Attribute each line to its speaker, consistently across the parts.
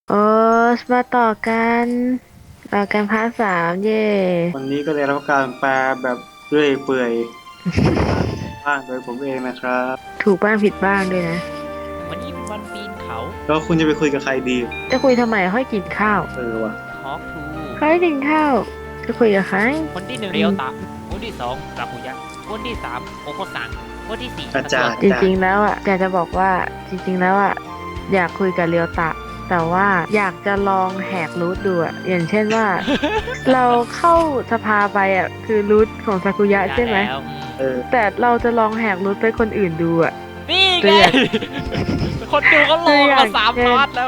Speaker 1: โอ้มาต่อกันพาร์ท3เย่
Speaker 2: วันนี้ก็ได้รับการแปลแบบเรื่อยเปื่อยบ้างโดยผมเองนะครับ
Speaker 1: ถูกบ้างผิดบ้างด้วยนะ
Speaker 3: วันนี้เป็นวันปีนเขา
Speaker 2: แล้วคุณจะไปคุยกับใครดี
Speaker 1: จะคุยทำไมค่อยกินข้าว
Speaker 2: ว่ะ
Speaker 3: Talk to
Speaker 1: ค่อยกินข้าวจะคุยกับใคร
Speaker 3: คนที่หนึ่งเรียวตะคนที่สองกาคุยะคนที่สามโอโคซังคนที่สี่
Speaker 2: อาจารย์
Speaker 1: จริงๆแล้วอ่ะอยากจะบอกว่าจริงๆแล้วอ่ะอยากคุยกับเรียวตะแต่ว่าอยากจะลองแหกรูทดูอ่ะอย่างเช่นว่า เราเข้าสภาไปอ่ะคือรูทของซากุยะใช่ไหม
Speaker 3: แล้ว
Speaker 1: แต่เราจะลองแหกรูทไปคนอื่นดูอ่ะ
Speaker 3: นี่
Speaker 1: ตั
Speaker 3: ไง
Speaker 1: วอย่าง
Speaker 3: คนดูเขาล
Speaker 1: ตัว
Speaker 3: อง
Speaker 1: อย่าง
Speaker 3: มาสาม
Speaker 1: เช่น
Speaker 3: พาร์ทแล้ว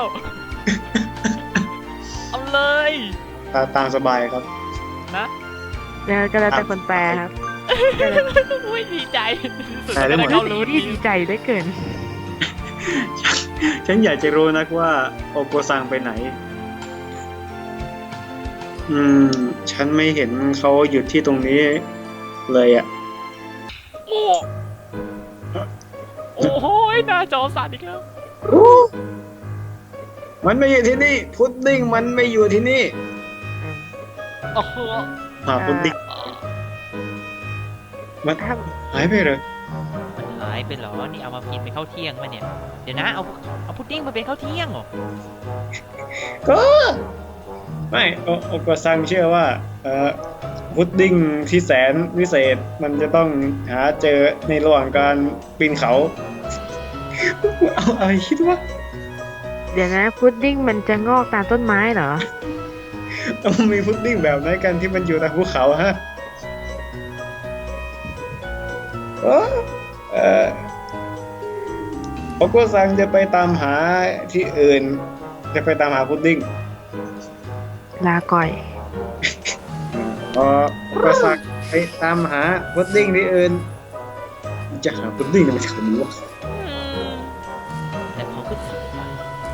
Speaker 3: เอาเลย
Speaker 2: ตามสบายครับ
Speaker 3: นะ
Speaker 1: แล้วก็แล้วแต่คนแปลครับ
Speaker 3: ไม่ดีใจสุด
Speaker 2: แต่ได้
Speaker 3: จะ
Speaker 2: หม
Speaker 3: ได้
Speaker 2: ด
Speaker 3: เข้ารู้
Speaker 1: ที่
Speaker 3: ดี
Speaker 1: ดีใจได้เกิน
Speaker 2: ฉันอยากจะรู้นักว่าโอโกซังไปไหน อืม ฉันไม่เห็นเขาหยุดที่ตรงนี้เลยอ่ะ
Speaker 3: โอ้โอ้โหหน้าจอสั่นอีกแล้ว
Speaker 2: มันไม่อยู่ที่นี่ พุดดิ้งมันไม่อยู่ที่นี่
Speaker 3: โอ้โห
Speaker 2: พุดดิ้งมันหายไปเลย
Speaker 3: มันหายไปเหรอนี่เอามากินเป็นข้าวเที่ยงมาเนี่ยเดี๋ยวนะเอาพุดดิ้งมาเป็นข้าวเที่ยงเหรอ
Speaker 2: ก็ไม่โอโกซังเชื่อว่าพุดดิ้งที่แสนวิเศษมันจะต้องหาเจอในระหว่างการปีนเขา เอาอะไรคิดว่า
Speaker 1: เดี๋ยวนะพุดดิ้งมันจะงอกตามต้นไม้เหรอ
Speaker 2: มันมีพุดดิ้งแบบไหนกันที่มันอยู่ตามภูเขาฮะโอ้โอโกซังจะไปตามหาที่อื่น จะไปตามหาพุดดิ้ง
Speaker 1: ลาก่อย
Speaker 2: พอโอโกซังไปตามหาพุดดิ้งที่อื่นจะหาพุดดิ้งอะไรจากนี้วะ
Speaker 3: แต่เขาก็ถือไป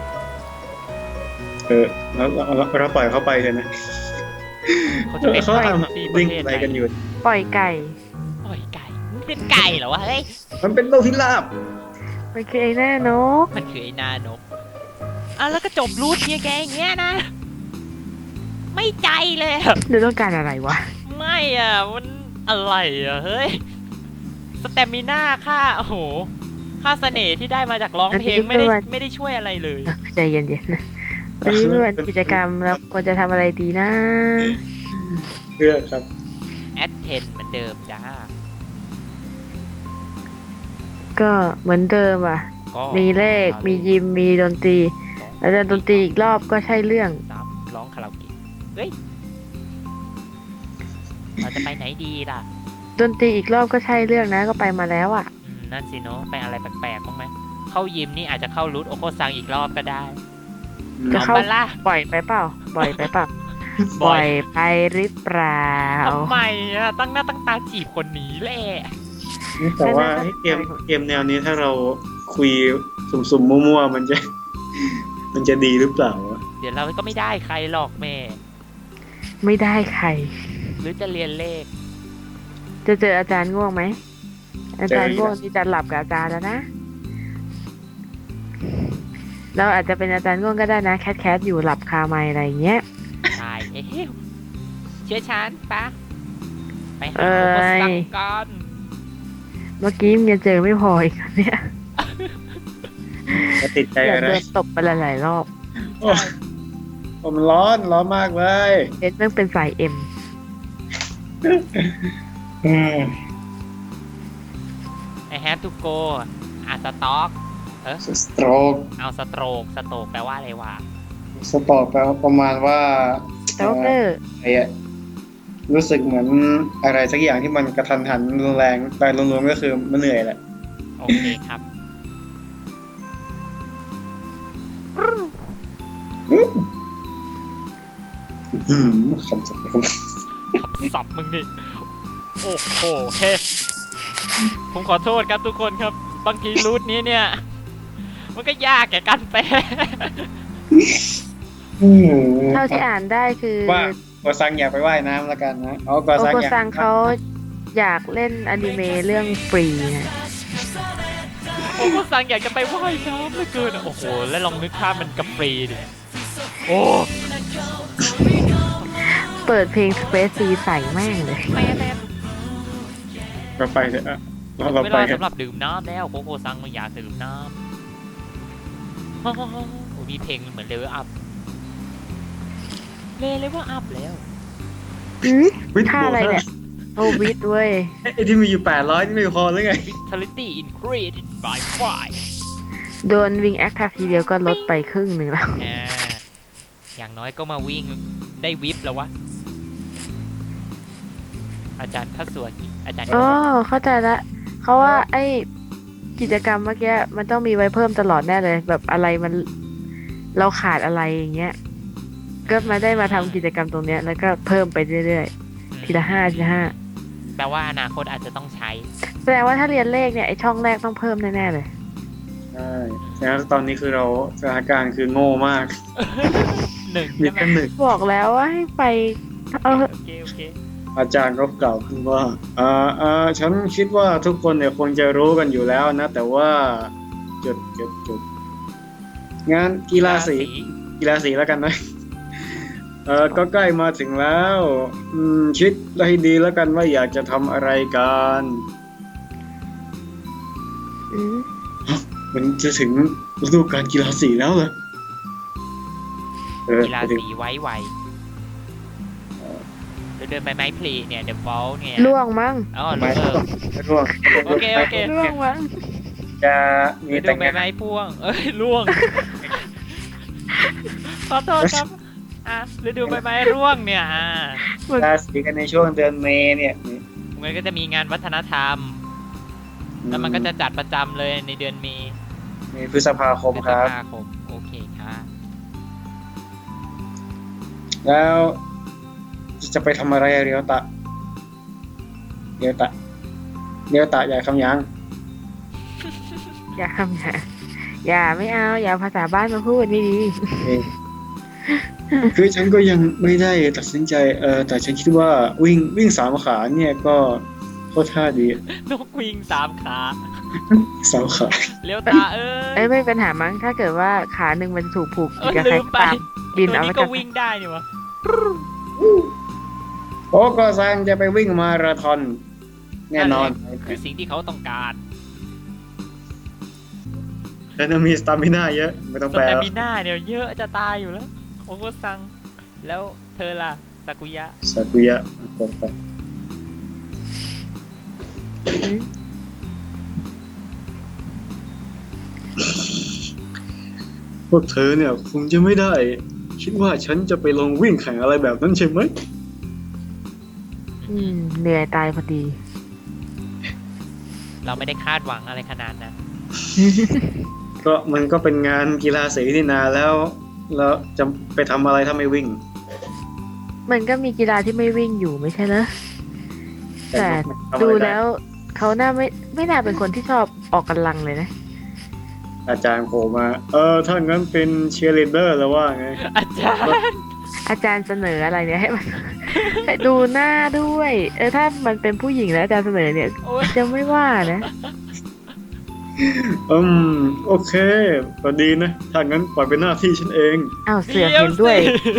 Speaker 2: เราปล่อยเขาไปเลยนะ
Speaker 3: เขาจะไป
Speaker 2: เขาทำ
Speaker 3: ที่
Speaker 2: ดิ้งอะไรกันอยู่
Speaker 1: ปล่อยไก่
Speaker 3: ปล่อยไก่มันเป็นไก่เหรอวะเฮ้ย
Speaker 2: มันเป็นโลกพิราบ
Speaker 1: มันคือไอ้หน้านก
Speaker 3: มันคือไอ้นานกอ่ะแล้วก็จบรูทเนี่ยแกอย่างเงี้ยนะ ไม่ใจเลยอะ
Speaker 1: เดี๋ยวต้องการอะไรวะ
Speaker 3: ไม่อ่ะมันอะไรอ่ะเฮ้ยสเตมิน่าค่าโอ้โหค่าเสน่ห์ที่ได้มาจากร้องเพลงไม่ได้ช่วยอะไรเลย
Speaker 1: ใจเย็นๆนะวันนี้เป็นวันกิจกรรมแล้วควรจะทำอะไรดีนะ
Speaker 2: เพื่อครับ
Speaker 3: แอดเทนเหมือนเดิมจ้า
Speaker 1: ก็เหมือนเดิมอ่ะ
Speaker 3: ก็
Speaker 1: มีเลข มียิม มีดนตรี แล้วดนตรีอีกรอบก็ใช่เรื่อง
Speaker 3: สามร้องคาราโอเกะเฮ้ยเราจะไปไหนดีล่ะ
Speaker 1: ดนตรีอีกรอบก็ใช่เรื่องนะก็ไปมาแล้วอ่ะ
Speaker 3: นั่นสิเนาะไปอะไรแปลกๆบ้างไหมเข้ายิมนี่อาจจะเข้ารูทโอโคซังอีกรอบก็ได้
Speaker 1: จะเข้า
Speaker 3: อปล่ะ
Speaker 1: บ่อยไปเปล่า บ่อยไปเปล่า บ่อยไปหรือเปล่า
Speaker 3: ทำไมอ่ะตั้งหน้าตั้งตาจีบคนนี้แหละ
Speaker 2: แต่ว่าเกมแนวนี้ถ้าเราคุยสุ่มๆมั่วๆมันจะดีหรือเปล่าวะ
Speaker 3: เดี๋ยวเราก็ไม่ได้ใครหรอกแม่
Speaker 1: ไม่ได้ใคร
Speaker 3: หรือจะเรียนเลข
Speaker 1: จะเจออาจารย์ง่วงไหม อาจารย์ง่วงที่จะหลับกับอาจารย์แล้วนะ เราอาจจะเป็นอาจารย์ง่วงก็ได้นะ แคทอยู่หลับคาไมค์อะไรอย่างเงี้ย
Speaker 3: ใช่เอ้ยเชื่อฉันปะไปหา
Speaker 1: เอ้ย
Speaker 3: โอโคซังกัน
Speaker 1: เมื่อกี้ยังเจอไม่พออีกนะเนี่ย
Speaker 2: จะติดใจ
Speaker 1: อยาก
Speaker 2: อะไร
Speaker 1: โดนตบไปหลายๆรอบ
Speaker 2: โอ้มันร้อนมากเลย
Speaker 1: เอ็ดแม่งเป็นสายเอ็ม
Speaker 2: อืม
Speaker 3: ไอแฮปทูโกอ่ะสต็อก
Speaker 2: สโตรก
Speaker 3: เอาสโตรกแปลว่าอะไรวะ
Speaker 2: สตอกแปลว่าประมาณว่า
Speaker 1: สโตเกอร์
Speaker 2: อะไรอะรู้สึกเหมือนอะไรสักอย่างที่มันกระทันหันรุนแรงแต่รวมๆก็คือมันเหนื่อยแหละ
Speaker 3: โอเคครับ
Speaker 2: คำศัพท์
Speaker 3: สับมึงดิโอ้โหเฮ้ผมขอโทษครับทุกคนครับ บางทีรูทนี้เนี่ย มันก็ยากแก่การแปล
Speaker 1: เท่าที่อ่านได้คือ
Speaker 2: ว่าโกซังอยากไปว่ายน้ำแล้วกันนะโก
Speaker 1: โอ
Speaker 2: ซัง
Speaker 1: โก
Speaker 2: อยาก
Speaker 1: ซังเขาอยากเล่นอนิเมะเรื่องฟรีนะ
Speaker 3: ผมก็สั่งอยากจะไปว่ายน้ำเหลือเกินอะโอ้โห แล้วลองนึกภาพมันกับฟรีดิโอ้
Speaker 1: เปิดเพลง Space C ใส่แม่งเลย
Speaker 3: แม่แม่
Speaker 2: เราไปเถอะอะเรา
Speaker 3: เว
Speaker 2: ไป
Speaker 3: ลา
Speaker 2: เถอะ
Speaker 3: สำหรับดื่มน้ำแล้วโคโค่ซังไม่อยากดื่มน้ำโอ้โหมีเพลงเหมือนเลเวลอัพเลเวลอัพแล้ว
Speaker 1: อืม
Speaker 2: วิทย์
Speaker 1: ท่าอะไรเนี่ย โอวิทเว้ย
Speaker 2: ไอ้ที่มีอยู่800นี่ไม่พอหรือไง
Speaker 3: Vitality increased by
Speaker 1: โดนวิงแอคทัทีเดียวก็ลดไปครึ่งหนึ่งแล้ว
Speaker 3: 5อย่างน้อยก็มาวิ่งได้วิปแล้ววะ อาจารย์ทัศวกิจอาจารย์
Speaker 1: อ๋อ เข้าใจละเขาว่าไอ้กิจกรรมเมื่อกี้มันต้องมีไว้เพิ่มตลอดแน่เลย แบบอะไรมันเราขาดอะไรอย่างเงี้ย ก็มาได้มาทำกิจกรรมตรงเนี้ยแล้วก็เพิ่มไปเรื่อยๆ ทีละ5 ทีละ
Speaker 3: แปลว่าอนาคตอาจจะต้องใช้
Speaker 1: 5แสดงว่าถ้าเรียนเลขเนี่ยไอ้ช่องแรกต้องเพิ่มแน่ๆเลย
Speaker 2: ใช่แล้วตอนนี้คือเราสถานการณ์คือโง่มาก
Speaker 3: หนึ่ง
Speaker 2: มี
Speaker 3: ใช่ไหม
Speaker 2: แค่หนึ่ง
Speaker 1: บอกแล้วว่าให้ไปเออ
Speaker 3: โอเคโอเค
Speaker 2: อาจารย์ก็กล่าวขึ้นว่าฉันคิดว่าทุกคนเนี่ยคงจะรู้กันอยู่แล้วนะ แต่ว่าจุดงานกีฬาสีแล้วกันนะ ก็ใกล้มาถึงแล้ว คิดให้ดีแล้วกันว่าอยากจะทำอะไรกัน
Speaker 1: อืม
Speaker 2: มันจะถึงฤดูกาลกีฬาสีแล้วเหรอ
Speaker 3: กีฬาสีไว้ไวเดินไปไม้พลีเนี่ยเดอะฟอลเนี่ย
Speaker 1: ล่วงมั้ง
Speaker 3: อ๋อ
Speaker 2: ไม่
Speaker 3: เลิก
Speaker 2: ร่วง
Speaker 3: โอเคโอเค
Speaker 1: ล่วงมั้ง
Speaker 2: จะมี
Speaker 3: ไปดู
Speaker 2: แต่ง
Speaker 3: ใบ
Speaker 2: งาน
Speaker 3: ไม้พ่วง เอ้ยร่วง ขอโทษครับ ฤดูใบไม้ร่วงเนี่ย
Speaker 2: กีฬาสีกันในช่วงเดือนเมษเนี่ย
Speaker 3: มันก็จะมีงานวัฒนธรรม แล้วมันก็จะจัดประจำเลยในเดือนเมษ
Speaker 2: มีพฤษภาคมครับ
Speaker 3: พฤษภาคมโอเคค่ะ
Speaker 2: แล้วจะไปทำอะไรอะเรียวตะอย่าคำยัง
Speaker 1: อย่าคำอย่าไม่เอา อย่าภาษาบ้านมาพูดนี่ดี
Speaker 2: คือฉันก็ยังไม่ได้ตัดสินใจแต่ฉันคิดว่าวิ่ง3 ขาเนี่ยก็โคตรท่าดี
Speaker 3: นกวิง3 ขา
Speaker 2: 3 ขา
Speaker 3: เลี้ยวตาเอ้
Speaker 1: เอ้ย
Speaker 3: ย
Speaker 1: ไม่เป็นปัญหามั้งถ้าเกิดว่าขาหนึ่งมันถูกผูก
Speaker 3: เออ
Speaker 1: กับ
Speaker 3: ลื
Speaker 1: ใคร
Speaker 3: ม
Speaker 1: ก็
Speaker 3: ไป
Speaker 1: ตามบิน
Speaker 3: ตัว
Speaker 1: เอา
Speaker 3: นี้
Speaker 1: ไว้
Speaker 3: ก็
Speaker 1: กัน
Speaker 3: วิ่งได้นี่วะ
Speaker 2: โอ้ก็ซังจะไปวิ่งมาราธอนแน่นอน
Speaker 3: คือสิ่งที่เขาต้องการ
Speaker 2: แล้วจะมีสตามิน่าเยอะไม่ต้อง
Speaker 3: ส
Speaker 2: แปล
Speaker 3: แตมิน่าเนี่ยเยอะจะตายอยู่แล้วโอโคซัง แล้วเธอล่ะซากุยะ
Speaker 2: ซากุยะตรงไปพวกเธอเนี่ยคงจะไม่ได้ คิดว่าฉันจะไปลงวิ่งแข่งอะไรแบบนั้นใช่ไหม
Speaker 1: เหนื่อยตายพอดี
Speaker 3: เราไม่ได้คาดหวังอะไรขนาดนั้น
Speaker 2: ก็มันก็เป็นงานกีฬาสีนี่นาแล้วจะไปทำอะไรถ้าไม่วิ่ง
Speaker 1: มันก็มีกีฬาที่ไม่วิ่งอยู่ไม่ใช่เหรอ แต่
Speaker 2: ทำอะไร
Speaker 1: ดู
Speaker 2: ได้
Speaker 1: แล้วเขาน่าไม่น่าเป็นคนที่ชอบออกกำลังเลยนะ
Speaker 2: อาจารย์โผล่มาถ้างั้นเป็นเชียร์ลีดเดอร์แล้วว่าไง
Speaker 3: อาจารย์
Speaker 1: อาจารย์เสนออะไรเนี่ยให้มัน ให้ดูหน้าด้วย ถ้ามันเป็นผู้หญิงแล้วอาจารย์เสนอเนี่ย
Speaker 3: โอ้ย
Speaker 1: จะไม่ว่านะ
Speaker 2: โอเคก็ดีนะ ถ้างั้นปล่อยเป็นหน้าที่ฉันเอง
Speaker 1: อ้าวเสือกเห็นด้วย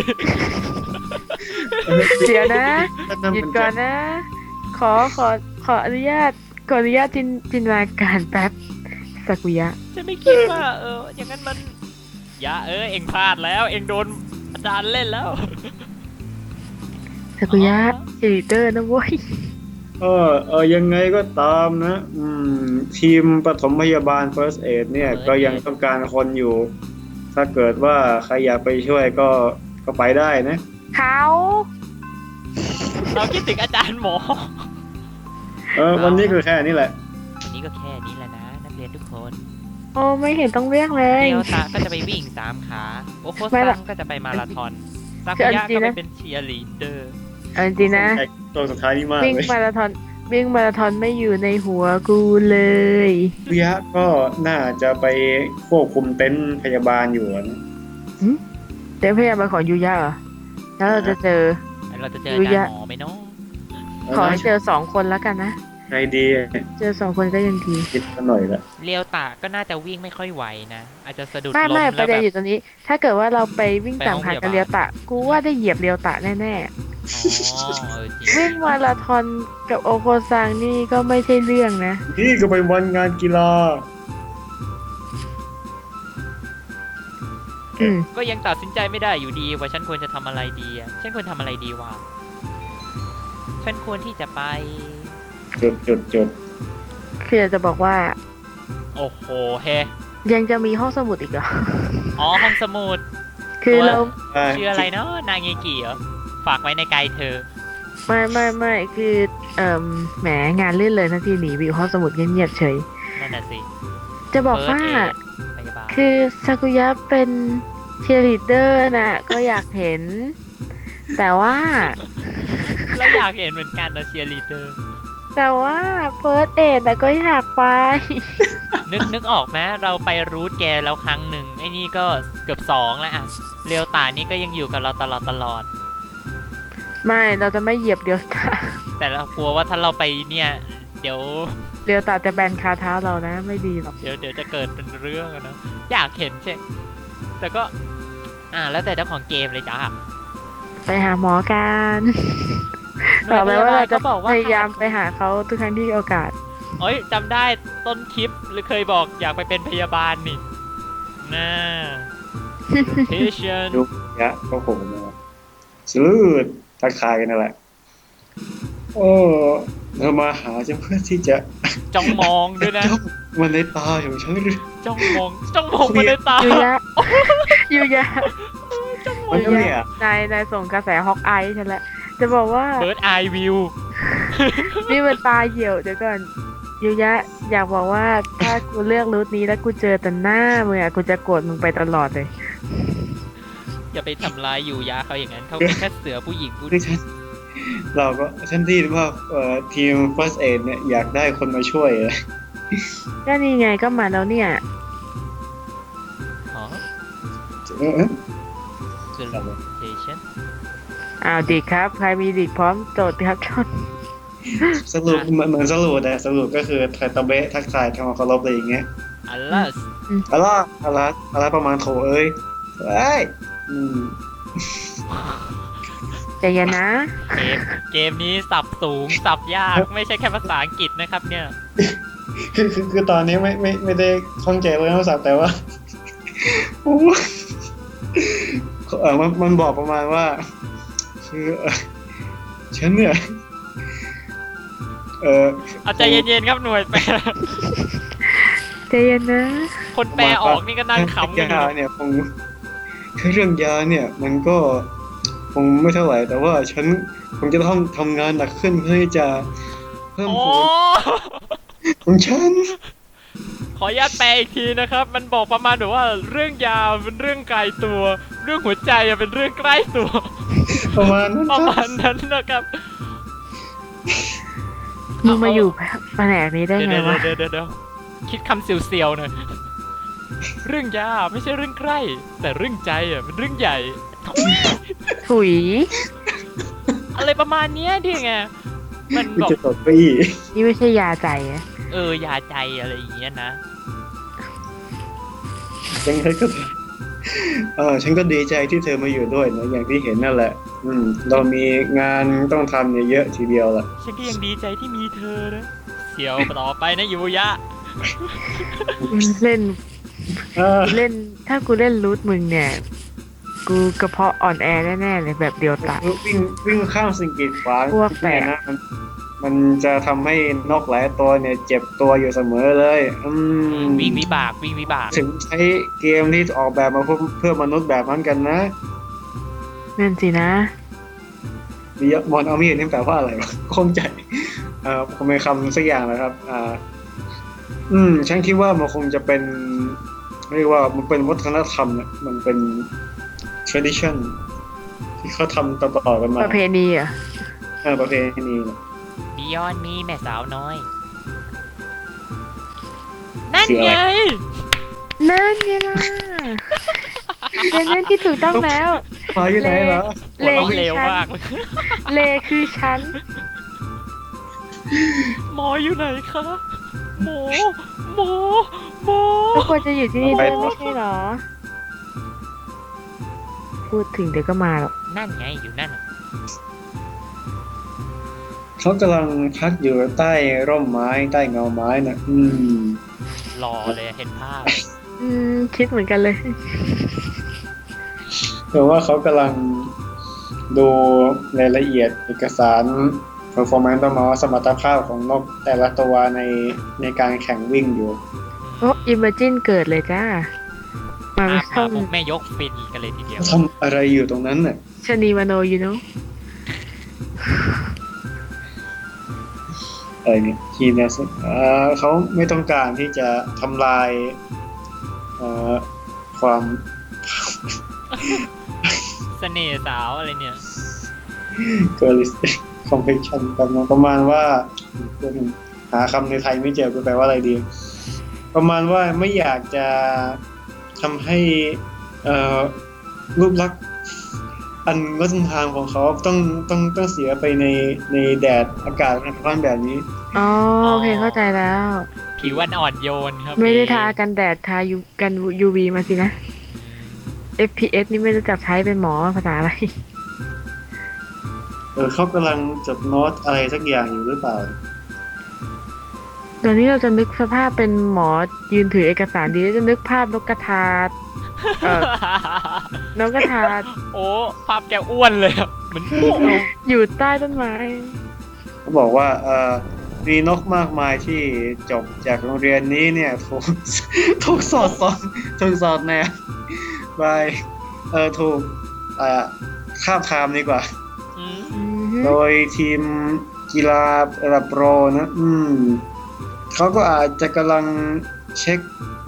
Speaker 1: เดี๋ยวนะ หยุดก่อนนะ ขออนุญาตจินตนาการแป๊บซากุยะ
Speaker 3: จะไม่คิดว่า อย่างนั้นมันอย่าเองพลาดแล้ว เองโดนอาจารย์เล่นแล้ว
Speaker 1: ซากุยะเชลิเตอร์นะเว้ย
Speaker 2: ยังไงก็ตามนะ ทีมปฐมพยาบาล First Aid เนี่ย
Speaker 3: First Aid
Speaker 2: ก็ยังต้องการคนอยู่ ถ้าเกิดว่าใครอยากไปช่วยก็ไปได้นะ
Speaker 1: เขา
Speaker 3: เราคิดถึงอาจารย์หมอ
Speaker 2: วันนี้คือแค่นี้แหละ
Speaker 3: วันนี้ก็แค่นี้แหละนะนักเรียนทุกคน
Speaker 1: โอ้ไม่เห็นต้องเรียกเลย
Speaker 3: เดียวตาก็จะไปวิ่ง3 ขาโอโค
Speaker 1: ไม่หร
Speaker 3: ซั
Speaker 1: อก
Speaker 3: งก็จะไปมาราธอนซา
Speaker 1: คื
Speaker 3: กุ
Speaker 1: อเอา
Speaker 3: ยะ
Speaker 1: จริ
Speaker 3: ก็
Speaker 1: งๆ
Speaker 3: ไป
Speaker 1: นะ
Speaker 3: เป็นเชียร์ลีดเดอร์
Speaker 1: เอาจริงๆนะ
Speaker 2: ตัวสุดท้ายนี่มาก
Speaker 1: วิ่ง
Speaker 2: เลย
Speaker 1: มาราธอนไม่อยู่ในหัวกูเลย
Speaker 2: วิยะก็น่าจะไปควบคุมเต็นท์พยาบาลอยู่นะ
Speaker 1: เดี๋ยวพยายามมาขอยูยะเหรอแล้วเราจะเจอ
Speaker 3: เราจะเจออาจารย์หมอไหมเนาะ
Speaker 1: ขอให้เจอ2 คนแล้วกันนะ
Speaker 2: นใจดี
Speaker 1: เจอ2 คนก็ยังดี
Speaker 2: คิดมาหน่อยละ
Speaker 3: เรียวตะก็น่าจะวิ่งไม่ค่อยไหวนะ อาจจะสะดุด
Speaker 1: ไม่
Speaker 3: ล้ม
Speaker 1: ไม่ป
Speaker 3: แล้ว
Speaker 1: ระเด็
Speaker 3: แบ
Speaker 1: น
Speaker 3: บ
Speaker 1: อยู่ตรงนี้ ถ้าเกิดว่าเราไปวิ่ง
Speaker 3: ไป
Speaker 1: ตาม
Speaker 3: ห้อง
Speaker 1: หา
Speaker 3: พยา
Speaker 1: กับ
Speaker 3: บาล
Speaker 1: เรียวตะ กูว่าได้เหยียบเรียวตะแน่
Speaker 3: อ๋อจริง
Speaker 1: ๆ วิ่งมาราธอนกับโอโคซังนี่ก็ไม่ใช่เรื่องนะ
Speaker 2: นี่ก็เป็นวันงานกีฬา
Speaker 1: อืม
Speaker 3: ก็ยังตัดสินใจไม่ได้อยู่ดีว่าฉันควรจะทำอะไรดีอะฉันควรทำอะไรดีวะฉันควรที่จะไป
Speaker 2: จุด
Speaker 1: คืออยากจะบอกว่า
Speaker 3: โอ้โหเฮ
Speaker 1: ยังจะมีห้องสมุดอีกเหรอ
Speaker 3: อ๋อห้องสมุด
Speaker 1: คือเรา
Speaker 3: ชื่ออะไรเนาะนางเงกิเหรอฝากไว้ในกายเธอ
Speaker 1: ไม่คือแหมงานลื่นเลยนะที่หนีไปอยู่ห้องสมุดเงียบๆเฉย
Speaker 3: นั่นน่ะสิ
Speaker 1: จะบอกว่า
Speaker 3: พยาบาล
Speaker 1: คือซากุยะเป็นเชียร์ลีดเดอร์น่ะ ก็อยากเห็น แต่ว่า
Speaker 3: แล้วอยากเห็นเหมือนกันนะเชียร์ลีดเดอร์
Speaker 1: แต่ว่าเฟิร์สเอดแต่ก็อยากไป
Speaker 3: นึกออกไหมเราไปรูทแกแล้วครั้งหนึ่งไอ้นี่ก็เกือบ2แล้วอะเรียวตานี่ก็ยังอยู่กับเราตลอด
Speaker 1: ไม่เราจะไม่เหยียบเดียวตา
Speaker 3: แต่เรากลัวว่าถ้าเราไปเนี่ย เดี๋ยว
Speaker 1: เดียวตาจะแบนคาเท้าเรานะไม่ดีหรอก
Speaker 3: เดี๋ยวจะเกิดเป็นเรื่องอะนะอยากเห็นใช่แต่ก็ แล้วแต่เจ้าของเกมเลยจ้า
Speaker 1: ไปหาหมอกัน
Speaker 3: หน่
Speaker 1: ต่
Speaker 3: ว
Speaker 1: อย ไป
Speaker 3: พยา
Speaker 1: ว่า
Speaker 3: บาล
Speaker 1: เรา
Speaker 3: ก็
Speaker 1: จะ
Speaker 3: บอกว่า
Speaker 1: พยายามไปหาเขาทุกครั้งที่มีโอกาส
Speaker 3: เอ้ยจำได้ต้นคลิปหรือเคยบอกอยากไปเป็นพยาบาลนี่น่า patient
Speaker 2: ยุกยะก็โผล่มาสลืดทักทายกันนั่นแหละ โอ้เธอมาหาฉันเพื่อที่จะ
Speaker 3: จ้องมองด้วยนะ
Speaker 2: จ้องมันในตาของฉันหรือ
Speaker 3: จ้องมองมาในตา
Speaker 1: ยูยะ ยูยะ
Speaker 2: มันก็เนี่ย
Speaker 1: นายส่งกระแสฮอกอายฉันละจะบอกว่า
Speaker 3: เบิร์ดไอวิว
Speaker 1: นี่มันตาเหี่ยวเดี๋ยวก่อนยูยะ อยากบอกว่าถ้ากูเลือกรูทนี้แล้วกูเจอแต่หน้ามึงอะกูจะโกรธมึงไปตลอดเลย
Speaker 3: อย่าไปทำร้ายอยู่ยาเขาอย่างนั้นเขาเป็นแค่เสือผู้หญิงผู้
Speaker 2: คือฉันที่ว่าทีม First Aid เนี่ยอยากได้คนมาช่วย
Speaker 1: ก็นี่ไงก็มาแล้วเนี่ย
Speaker 3: อ๋อ
Speaker 2: เออ
Speaker 3: salutation
Speaker 1: อ้าวดิกครับ ใครมีดิกพร้อมโจทย์ครับชน
Speaker 2: สรุปเหมือนสรุปแต่สรุปก็คือไทตาเบะทักทายทำความเคารพอะไรอย่างเงี้ย
Speaker 3: อัลลัส
Speaker 2: อะไรประมาณโถเอ้ยเอ้ยอืม
Speaker 1: ใจเย็นนะ
Speaker 3: เกมนี้สับสูงสับยากไม่ใช่แค่ภาษาอังกฤษนะครับเนี่ย
Speaker 2: คือตอนนี้ไม่ได้ข้องใจเรื่องภาษาแต่ว่า โอ้มันบอกประมาณว่า คือฉันเนี่ย
Speaker 3: เอาใจเย็นๆครับหน่วยแปล
Speaker 1: ใจเย็นนะ
Speaker 3: คนแปลออกนี่ก็นั่งขำกันอยู่
Speaker 2: ยาเนี่ยคือเรื่องยาเนี่ย มันก็คงไม่เท่าไหร่แต่ว่าฉันคงจะต้องทำงานหนักขึ้นเพื่อที่จะเพิ่ม
Speaker 3: โอ้
Speaker 2: ผลของฉัน
Speaker 3: ขออนุญาตแปลอีกทีนะครับ มันบอกประมาณแบบว่าเรื่องยาเป็นเรื่องไกลตัว เรื่องหัวใจเป็นเรื่องใกล้ตัว
Speaker 2: ประมาณนั้น
Speaker 3: ประมาณนั้นนะครับ
Speaker 1: มึงมาอยู่แผนกนี้ได้ไงวะ
Speaker 3: เดี๋ยวคิดคำเสียวๆหน่อยเรื่องยาไม่ใช่เรื่องใกล้ แต่เรื่องใจเป็นเรื่องใหญ่
Speaker 1: ถุย
Speaker 3: อะไรประมาณเนี้ยดิไงมัน
Speaker 2: กู
Speaker 3: บอก
Speaker 2: จะตบไปอีก
Speaker 1: นี่ไม่ใช่ยาใจอะ
Speaker 3: ยาใจอะไรอย่างเงี้ยนะ
Speaker 2: ยังไงก็ฉันก็ดีใจที่เธอมาอยู่ด้วยนะอย่างที่เห็นนั่นแหละ เรามีงานต้องทำเนี่ยเยอะทีเดียวแหละ
Speaker 3: ฉันก็ยังดีใจที่มีเธอนะเสียวต่อไปนะยูยะ
Speaker 1: เล่น
Speaker 2: เออ
Speaker 1: เล่นถ้ากูเล่นรูทมึงเนี่ย กูกระเพาะอ่อนแอแน่ๆเลยแบบเดียวตะ
Speaker 2: วิ่งข้ามสิ่งกีดขวาง
Speaker 1: พวกแฝด
Speaker 2: เนี่ยนะมันจะทำให้นกหลายตัวเนี่ยเจ็บตัวอยู่เสมอเลย
Speaker 3: วิ่งวิบาก
Speaker 2: ถึงใช้เกมที่ออกแบบมาเพื่อมนุษย์แบบนั้นกันนะ
Speaker 1: นั่นสินะ
Speaker 2: มีมอนเอามีดนี่แปลว่าอะไรวะคงใจคงเป็นคำสักอย่างนะครับฉันคิดว่ามันคงจะเป็นเรียกว่ามันเป็นวัฒนธรรมเนี่ยมันเป็น tradition ที่เขาทำต่อๆกันมา
Speaker 1: ประเพณีเหรอ่ะ
Speaker 2: ประเพณีเนี่ย
Speaker 3: บิยอนมีแม่สาวน้อย นั่นไง
Speaker 1: นั่นไงล่ะเป็นนั่นที่ถูกต้องแล้ว
Speaker 2: มาอยู่ไหนเหรอ
Speaker 1: เล
Speaker 3: หัวเราะ
Speaker 1: คือ
Speaker 3: เร็ว
Speaker 1: ฉัน
Speaker 3: มากเลย
Speaker 1: เลคือฉัน
Speaker 3: หมออยู่ไหนคะหมอหมอหมอ
Speaker 1: ก็ควรจะอยู่ที่นี่ด้วยไม่ใช่เหรอ พูดถึงเดี๋ยวก็มาหรอก
Speaker 3: นั่นไงอยู่นั่นน่ะ
Speaker 2: เขากำลังพักอยู่ใต้ร่มไม้ใต้เงาไม้นะ
Speaker 3: รอเลยเห็นภาพ
Speaker 1: คิดเหมือนกันเลย
Speaker 2: แต่ว่าเขากำลังดูรายละเอียดเอกสาร performance ต้องมาว่าสมรรถภาพของนกแต่ละตัวในการแข่งวิ่งอยู่
Speaker 1: โอ้อิมเมจินเกิดเลยจ้า มาไม่
Speaker 3: มา
Speaker 1: ต้อง
Speaker 3: พวกแม่ยกฟินกันเลยทีเดียว
Speaker 2: ทำอะไรอยู่ตรงนั้นน่ะ
Speaker 1: ชนีมโนอยู่เนาะ
Speaker 2: อะไรเนี่ยทีมเนี่ยเขาไม่ต้องการที่จะทำลายความ
Speaker 3: เสน่ห์สาวอะไรเนี่ย
Speaker 2: girlistic complexion ประมาณว่าหาคำในไทยไม่เจอแปลว่าอะไรดี ประมาณว่าไม่อยากจะทำให้รูปลักษณ์อันงดงามของเขาต้องเสียไปในแดดอากาศร้อนแบบนี้
Speaker 1: อ๋อโอเคเข้าใจแล้ว
Speaker 3: ผิวอ่อนโยนครับ
Speaker 1: ไม่ได้ทากันแดดทากัน UV มาสินะ FPS นี่ไม่รู้จักใช้เป็นหมอภาษาอะไร
Speaker 2: เขากำลังจดโน้ตอะไรสักอย่างอยู่หรือเปล่า
Speaker 1: ตอนนี้เราจะนึกสภาพเป็นหมอยืนถือเอกสารดีจะนึกภาพนกกระทา นกกระทา
Speaker 3: โอ้ภาพแกอ้วนเลยอะเหมือนพวกเรา
Speaker 1: อยู่ใต้ต้นไม้
Speaker 2: เขาบอกว่ามีนกมากมายที่จบจากโรงเรียนนี้เนี่ยถูกสอดแนมไปถูกคาบทามดีกว่า
Speaker 3: อืม
Speaker 2: โดยทีมกีฬาระดับโปรนะเขาก็อาจจะกำลังเช็ค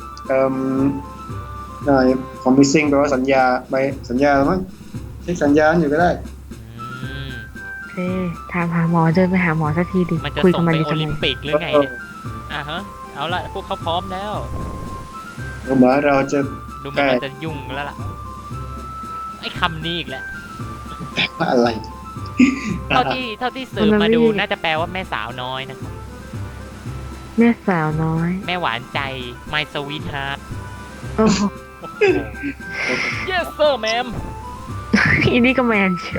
Speaker 2: promising แปลว่าสัญญาหรือมั้งเช็คสัญญาอยู่ก็ได้
Speaker 3: อืม
Speaker 1: โอเคถามหาหมอเดินไปหาหมอสักทีดิ
Speaker 3: มันจะ
Speaker 1: คุย
Speaker 3: ส่
Speaker 1: กั
Speaker 3: ง
Speaker 1: บมัน
Speaker 3: ไป
Speaker 1: ดี
Speaker 3: โอ
Speaker 1: ทำไม
Speaker 3: ลิมปิกหรือไงเนี่ยฮะเอาละพวกเขาพร้อมแล้ว
Speaker 2: เหมือนเราจะ
Speaker 3: ดูเหมันมันจะยุ่งแล้วล่ะไอ้คำนี้อีกแล้ว
Speaker 2: ว่าอะไร
Speaker 3: เท่าที่สืบมาดูน่าจะแปลว่าแม่สาวน้อยนะครับ
Speaker 1: แม่สาวน้อย
Speaker 3: แม่หวานใจ my sweetheart
Speaker 1: โอ้โห
Speaker 3: โอ้โห yes sir ma'am
Speaker 1: อีนี่ก็แมนเชียว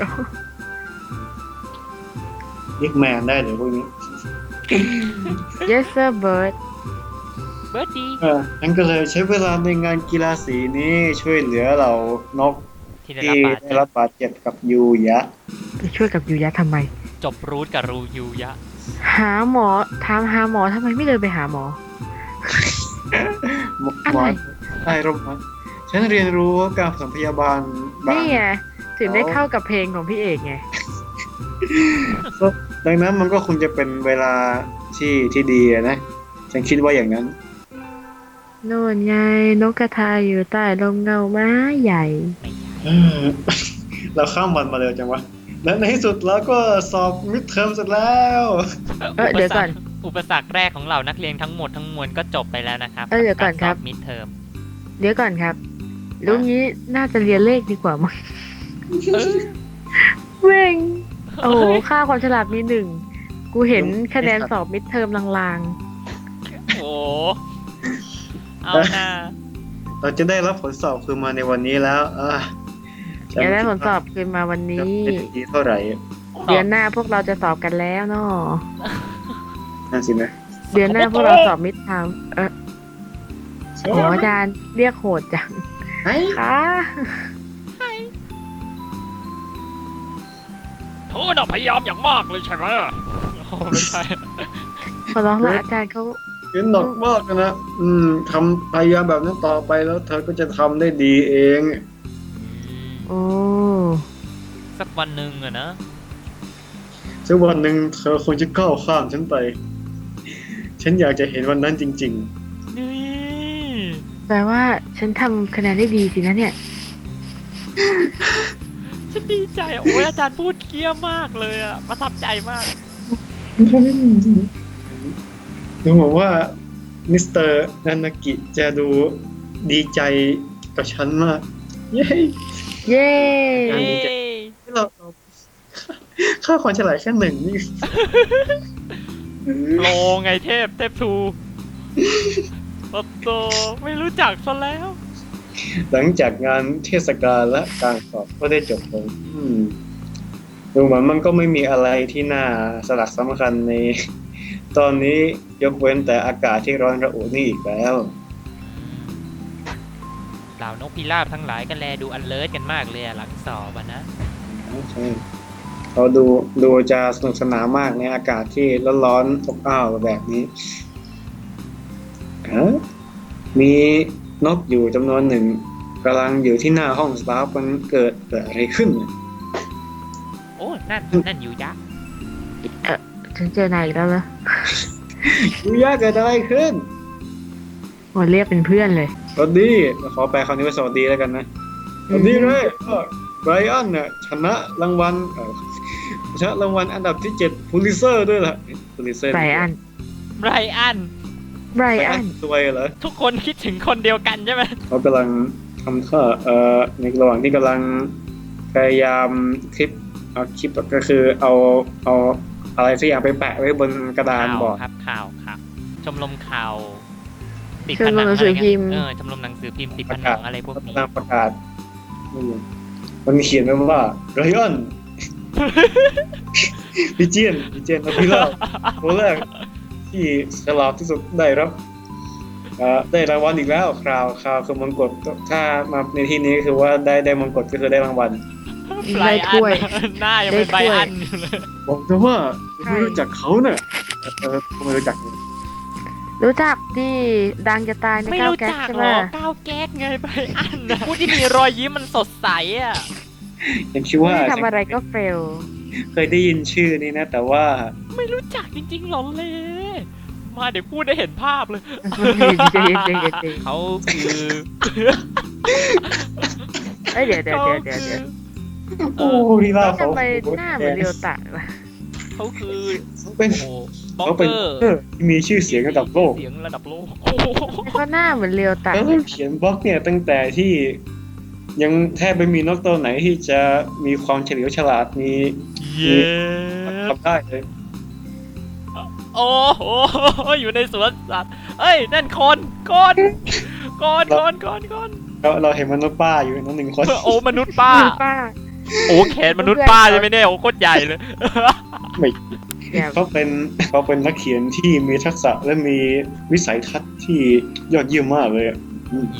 Speaker 2: เรียกแมนได้เลยพวกนี้
Speaker 1: yes sir bird
Speaker 3: เบิร์ดดี
Speaker 2: งั้นก็เลยใช้เวลาในงานกีฬาสีนี้ช่วยเหลือเหล่านก
Speaker 3: ที่ได้
Speaker 2: ที่
Speaker 3: รับบาด
Speaker 2: ได้
Speaker 3: เจ็บ
Speaker 2: รับบาดเจ็บกับยูยะ
Speaker 1: ไปช่วยกับยูยะทำไม
Speaker 3: จบรูทกับรูยูยะ
Speaker 1: หาหมอถามหาหมอทำไมไม่เดินไปหาหมอ
Speaker 2: หม
Speaker 1: อะไร
Speaker 2: อใต้ร่มไม้ฉันเรียนรู้การผสมพยาบาลบาง
Speaker 1: นี่ไงถึงได้เข้ากับเพลงของพี่เอกไง
Speaker 2: ดังนั้นมันก็คงจะเป็นเวลาที่ดีอะนะ ฉันคิดว่าอย่างนั้น
Speaker 1: โน่นไงนกกระทาอยู่ใต้ลมเงาไม้ใหญ่
Speaker 3: ไม่ใช่
Speaker 2: เออ เราข้ามวันมาเร็วจังวะ และในที่สุดเราก็สอบมิดเทอมเสร็จแล้ว
Speaker 1: เดี๋ยวก่อน
Speaker 3: อุปสรรคแรกของเรานักเรียนทั้งหมดทั้งมวลก็จบไปแล้วนะครับ
Speaker 1: เดี๋ยวก่อนครับ
Speaker 3: มิดเทอม
Speaker 1: เดี๋ยวก่อนครับลุงนี้น่าจะเรียนเลขดีกว่ามั้งเว้งโอ้โหค่าความฉลาดมีหนึ่ง กูเห็นคะแนนสอบมิดเทอมลาง
Speaker 3: โอ้เอาหน้า
Speaker 2: เราจะได้รับผลสอบคือมาในวันนี้แล้ว
Speaker 1: ๆอยากได้ผลสอบคืนมาวัน
Speaker 2: จะ
Speaker 1: นี้
Speaker 2: เป็นดีเท่าไหร่
Speaker 1: เดือนหน้าพวกเราจะสอบกันแล้วเนาะ
Speaker 2: นั่นสินะ
Speaker 1: เดือนหน้าพวกเราสอบมิดเทอมโอ้อาจารย์เรียกโหดจัง
Speaker 2: ไอ้
Speaker 1: ค่ะ
Speaker 3: โทษนะพยายามอย่างมากเลยใช่ไหมโอ้ไม่ใช่
Speaker 1: ขอร้องละอาจารย์เขา
Speaker 2: เห็นหนักมากนะทำพยายามแบบนั้นต่อไปแล้วเธอก็จะทำได้ดีเอง
Speaker 1: โอ้
Speaker 3: สักวันหนึ่งอะนะ
Speaker 2: สักวันหนึ่งเธอคงจะก้าวข้ามฉันไป ฉันอยากจะเห็นวันนั้นจริง
Speaker 3: นี่
Speaker 1: แปลว่าฉันทำคะแนนได้ดีสินะเนี่ย
Speaker 3: ฉันดีใจโอ้ยอาจารย์พูดเกี้ยมากเลยอะประทับใจมาก
Speaker 2: ๆดูเหมือนว่ามิสเตอร์นานากิจะดูดีใจกับฉันมาก เย้
Speaker 1: เย้
Speaker 3: เย้
Speaker 2: เราค่าความฉลาดแค่1นี่
Speaker 3: โลไงเทพทูโอ้โตไม่รู้จักซะแล้ว
Speaker 2: หลังจากงานเทศกาลและการสอบก็ได้จบลงดูเหมือนมันก็ไม่มีอะไรที่น่าสลักสำคัญใน ตอนนี้ยกเว้นแต่อากาศที่ร้อนระอุนี่อีกแล้ว
Speaker 3: เหล่านกพิราบทั้งหลายก็แลดูอันเลิศกันมากเลยหลังสอบนะ
Speaker 2: ใช่เขาดูจะสนุกสนานมากในอากาศที่ร้อนๆอบอ้าวแบบนี้มีนกอยู่จำนวนหนึ่งกำลังอยู่ที่หน้าห้องสตาฟมันเกิดอะไรขึ้นเนี่ย
Speaker 3: โอ้นั่นอยู่ยักษ์
Speaker 1: ฉันเจอนายอีกแล้วเหรอ
Speaker 2: ยูยาเกิดอะไรขึ้น
Speaker 1: โอ้เรียกเป็นเพื่อนเลย
Speaker 2: สวัสดีขอแปลคำนี้ว่าสวัสดีแล้วกันนะสวัสดีเลยไบรอันเนี่ยชนะรางวัลอันดับที่7พูลิเซอร์ด้วยล่ะพูลิเซอร์
Speaker 1: ไบรอัน
Speaker 3: ไบรอัน
Speaker 1: ไบรอัน
Speaker 2: สวยเหรอ
Speaker 3: ทุกคนคิดถึงคนเดียวกันใช่ไหม
Speaker 2: เขากำลังทำท่าในระหว่างที่กำลังพยายามคลิปก็คือเอาอะไรสักอย่างไปแปะไว้บนกระดานบอร์ด
Speaker 3: ข่าวครับชมรมข่าวติด
Speaker 1: ชมรมหนังสือพิมพ์
Speaker 3: ชมรมหนังสือพิมพ์ติดผนังอะไรพวกนี้
Speaker 2: กำลังประกาศมันเขียนไว้ว่าไรอัน พี่เจียนอภิราชตัวแรกที่ฉลาดที่สุดได้รับได้รางวัลอีกแล้วคราวคือมงกุฎถ้ามาในที่นี้คือว่าได้มงกุฎก็คือได้รางวัล
Speaker 3: ไบรอันหน้ายังเป็นไบรอันอยู่เลย
Speaker 2: บอกเธอว่าไม่รู้จักเขาเนี่ยไม่รู้จัก
Speaker 1: รู้จักที่ดังจะตายใน
Speaker 3: ไม่
Speaker 1: ก้าว
Speaker 3: รู้
Speaker 1: แก๊ก
Speaker 3: จัก
Speaker 1: ใช่
Speaker 3: ห
Speaker 1: ไห
Speaker 3: ร
Speaker 1: ม
Speaker 3: อก้าวแก๊กไงไบรอันนะผู้ที่มีรอยยิ้มมันสดใสอ่ะ
Speaker 2: ยังคิดว่า
Speaker 1: ไม่ทำอะไรก็เฟล
Speaker 2: เคยได้ยินชื่อนี้นะแต่ว่า
Speaker 3: ไม่รู้จักจริงๆหรอเลยมาเดี๋ยวพูดได้เห็นภาพเลย
Speaker 1: ใจเย็น
Speaker 3: เขาคือ
Speaker 1: เอ้ยเดี๋ยว
Speaker 2: โอ้พี่ล่าเขา
Speaker 1: ทำไมหน้าเหมือนเรียวตะวะ
Speaker 3: เขาคือ
Speaker 2: เป็น
Speaker 3: โอ้บล็อก
Speaker 2: เขา
Speaker 3: เก
Speaker 2: เป็น
Speaker 3: อร์
Speaker 2: ที่มีชื่อเสียงระดับโลก
Speaker 3: เสียงระดับโลกโอ้โห
Speaker 1: ก็หน้าเหมือนเรียวตะ
Speaker 2: แล้วเขียนบล็อกเนี่ยตั้งแต่ที่ยังแทบไม่มีนกตัวไหนที่จะมีความเฉลียวฉลาดมี
Speaker 3: เย้
Speaker 2: ทำได้เลย
Speaker 3: โอ้โหอยู่ในสวนสัตว์เอ้ยนั่นคน
Speaker 2: เราเห็นมนุษย์ป้าอยู่นั่นหนึ่งคน
Speaker 3: โอ้มนุษย์ป้า
Speaker 1: ป้า
Speaker 3: โอ้แขนมนุษย์ป้าใช่ไหมเนี่ยโอ้โคตรใหญ่เลย
Speaker 2: ไม่
Speaker 1: เดี๋ยว
Speaker 2: เขาเป็นนักเขียนที่มีทักษะและมีวิสัยทัศน์ที่ยอดเยี่ยมมากเลยอะ
Speaker 3: เย้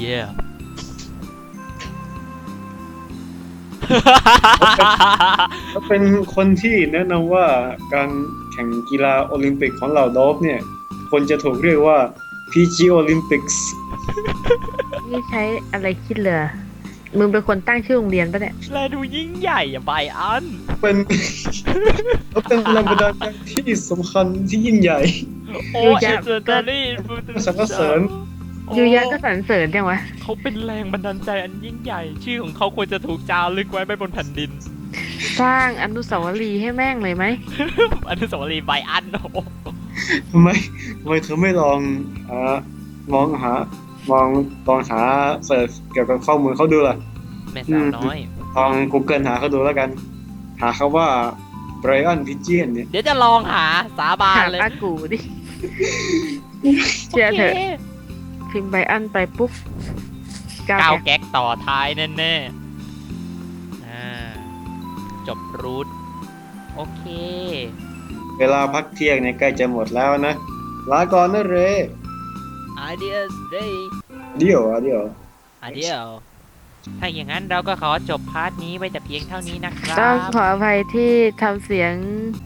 Speaker 2: เขาเป็นคนที่แนะนำว่าการแข่งกีฬาโอลิมปิกของเหล่าดอฟเนี่ยคนจะถูกเรียกว่า PG Olympics
Speaker 1: นี่ใช้อะไรคิดเลยมึงเป็นคนตั้งชื่อโรงเรียนปะเนี่ย
Speaker 3: แลดูยิ่งใหญ่อะไบอัน
Speaker 2: เป็นเขาเป็นแรงบันดาลใจที่สำคัญที่ยิ่งใหญ่
Speaker 3: โอ้
Speaker 1: ยู
Speaker 3: เอย
Speaker 1: ะ
Speaker 3: เซอร์ตอรี่
Speaker 2: สรรเสริญ
Speaker 1: ยูยะก็สรรเสริญจังวะ
Speaker 3: เขาเป็นแรงบันดาลใจอันยิ่งใหญ่ ชื่อของเขาควรจะถูกจารึกไว้บนแผ่นดิน
Speaker 1: สร้างอนุสาวรีย์ให้แม่งเลยไหม
Speaker 3: อนุสาวรีย์ไบอันโอ้โห
Speaker 2: ทำไมเธอไม่ลองมองหาเสิร์ชเกี่ยวกับข้อมูลเขาดูล่ะ
Speaker 3: แม่สาวน้อย
Speaker 2: ลอง Google หาเขาดูแล้วกัน หาเขาว่า Brian Pigeon เนี่ย
Speaker 3: เดี๋ยวจะลองหาสาบาน
Speaker 1: ถาม
Speaker 3: เลย
Speaker 1: อากูดิ เชื่อเถอะ
Speaker 3: โค
Speaker 1: พิมพ์ไบอันไปปุ๊บก้าว
Speaker 3: ก้าว
Speaker 1: แก๊ก
Speaker 3: แก๊กต่อท้ายแน่ๆจบรูทโอเค
Speaker 2: เวลาพักเที่ยงเนี่ยใกล้จะหมดแล้วนะ ลาก่อนนะเร
Speaker 3: Adios day
Speaker 2: เดี๋ยว
Speaker 3: Adios ถ้าอย่างนั้นเราก็ขอจบพาร์ทนี้ไว้แต่เพียงเท่านี้นะครั
Speaker 1: ต้อง
Speaker 3: บ
Speaker 1: ขออภัยที่ทำเสียง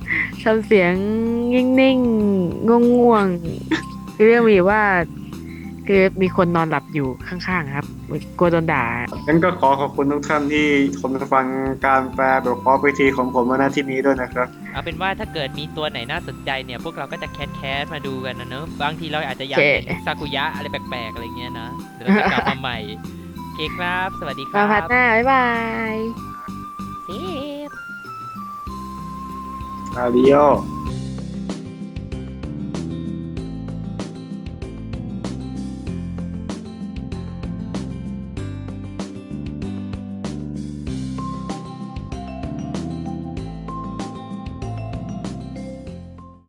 Speaker 1: นิ่งๆง่วงๆคือเรื่องมีว่าคือมีคนนอนหลับอยู่ข้างๆครับกลัวโดนด่า
Speaker 2: งั้นก็ขอบคุณทุกท่านที่ชมฟังการแปลแบบขอพิธีของผมมาณที่นี้ด้วยนะครับ
Speaker 3: เอาเป็นว่าถ้าเกิดมีตัวไหนน่าสนใจเนี่ย พวกเราก็จะแคสมาดูกันนะเนอะบางทีเราอาจจะอยากเห็นซากุยะอะไรแปลกๆอะไรเงี้ยนะเดี๋ยวเราจะกลับมาใหม่โอเคครับ สวัสดีค
Speaker 1: มา
Speaker 3: รั
Speaker 1: พัด
Speaker 3: บ
Speaker 1: หน้า บ๊ายบาย
Speaker 3: เซฟ
Speaker 2: Adiós